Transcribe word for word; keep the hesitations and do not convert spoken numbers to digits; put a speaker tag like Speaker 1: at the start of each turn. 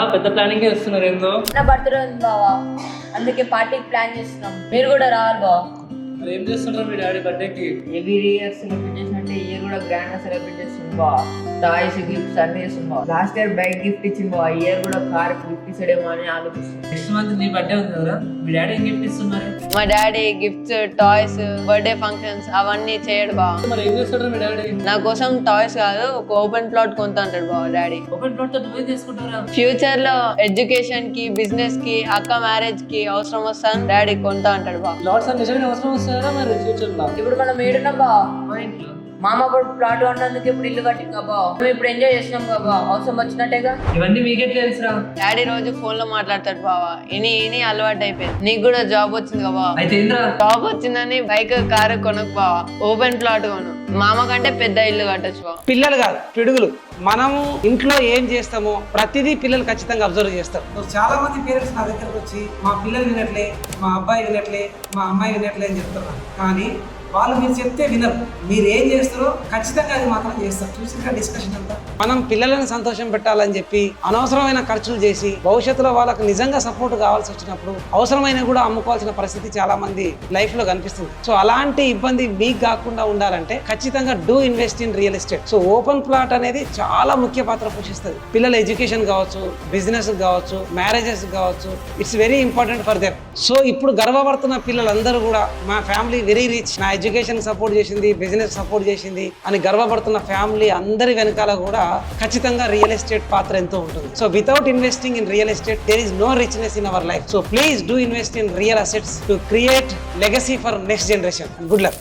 Speaker 1: పెద్ద ప్లానింగ్ చేస్తున్నారు ఏందో.
Speaker 2: నా బర్త్డే ఉంది బావా, అందుకే పార్టీకి ప్లాన్ చేస్తున్నాం, మీరు కూడా రావాలి బావా.
Speaker 1: మరి ఏం చేస్తుంటారు మీ డాడీ బర్త్డేకి?
Speaker 2: ఎవ్రీ ఇయర్ సెలబ్రేట్ చేసినట్టే ఇయర్ కూడా గ్రాండ్ గా సెలబ్రేట్ చేస్తుంది బావా. టాయ్స్ గిఫ్ట్స్ అన్ని చేస్తుంది బావా. లాస్ట్ ఇయర్ బైక్ గిఫ్ట్ ఇచ్చింది బావా, ఇయర్ కూడా కార్ గిఫ్ట్ ఇస్తాడేమో అని ఆలోచిస్తుంది.
Speaker 1: నెక్స్ట్ మంత్ నీ బర్త్డే ఉంది కదా, మీ డాడీ ఏం గిఫ్ట్ ఇస్తున్నారు?
Speaker 3: మా daddy gifts, toys, birthday functions అవన్నీ చేయడు బావ.
Speaker 1: మరి ఏం చేస్తాడు మీ డాడీ?
Speaker 3: నా కోసం టాయ్స్ కాదు, ఒక ఓపెన్ ప్లాట్ కొంత అంటాడు బావ డాడీ.
Speaker 1: ఓపెన్ ప్లాట్ తో నువ్వేం చేసుకుంటారా?
Speaker 3: ఫ్యూచర్ లో ఎడ్యుకేషన్ కి, బిజినెస్ కి, అక్క మ్యారేజ్ కి అవసరం వస్తాను డాడీ కొంత అంటాడు బావ.
Speaker 1: ప్లాట్స్ అని నిజంగా అవసరం వస్తారా మరి ఫ్యూచర్ లో?
Speaker 2: ఇప్పుడు మనం ఏడున్నాం బావా,
Speaker 1: మా ఇంట్లో
Speaker 2: మామ ఇప్పుడు ప్లాట్ అన్నందుకు ఇప్పుడు ఇల్లు కట్టింది బావా. మేము ఇప్పుడు ఎంజాయ్ చేసినాం బావా, అవసరం వచ్చినట్టేగా.
Speaker 1: ఇవన్నీ మీకే తెలుసురా.
Speaker 3: డాడీ రోజు ఫోన్ లో మాట్లాడతాడు బావా, ఇని ఇని అలవాటు అయిపోయింది. నీకు కూడా జాబ్ వచ్చింది కదా బావ.
Speaker 1: అయితే ఏంద్రా?
Speaker 3: జాబ్ వచ్చిందని బైక్, కారు కొనకు బావా, ఓపెన్ ప్లాట్ కొను. మామ కంటే పెద్ద ఇల్లు కట్టొచ్చు బావ.
Speaker 4: పిల్లలు కాదు పిడుగులు. మనం ఇంట్లో ఏం చేస్తామో ప్రతిదీ పిల్లలు ఖచ్చితంగా అబ్జర్వ్ చేస్తారు. చాలా మంది పేరెంట్స్ నా దగ్గరకు వచ్చి మా పిల్లలు వినట్లే, మా అబ్బాయి వినట్లే, మా అమ్మాయి వినట్లే అని చెప్తున్నారు. కానీ వాళ్ళు మీరు చెప్తే వినరు. మీరు ఏం చేస్తారో ఖచ్చితంగా అది మాత్రం చేస్తారు. చూసిన డిస్కషన్ అంతా మనం పిల్లలను సంతోషం పెట్టాలని చెప్పి అనవసరమైన ఖర్చులు చేసి భవిష్యత్తులో వాళ్ళకు నిజంగా సపోర్ట్ కావాల్సి వచ్చినప్పుడు అవసరమైన కూడా అమ్ముకోవాల్సిన పరిస్థితి చాలా మంది లైఫ్ లో కనిపిస్తుంది. సో అలాంటి ఇబ్బంది మీకు కాకుండా ఉండాలంటే ఖచ్చితంగా do invest in real estate. So open plot అనేది చాలా ముఖ్య పాత్ర పోషిస్తుంది. పిల్లల ఎడ్యుకేషన్ కావచ్చు, బిజినెస్ కావచ్చు, మ్యారేజెస్ కావచ్చు, it's very important for them. So ఇప్పుడు గర్వపడుతున్న పిల్లలందరూ కూడా మా ఫ్యామిలీ వెరీ రిచ్, నా ఎడ్యుకేషన్ సపోర్ట్ చేసింది, బిజినెస్ సపోర్ట్ చేసింది అని గర్వపడుతున్న ఫ్యామిలీ అందరి వెనకాల కూడా ఖచ్చితంగా రియల్ ఎస్టేట్ పాత్ర ఎంతో ఉంటుంది. So without investing in real estate there is no richness in our life. So please do invest in real assets to create legacy for next generation. Good luck.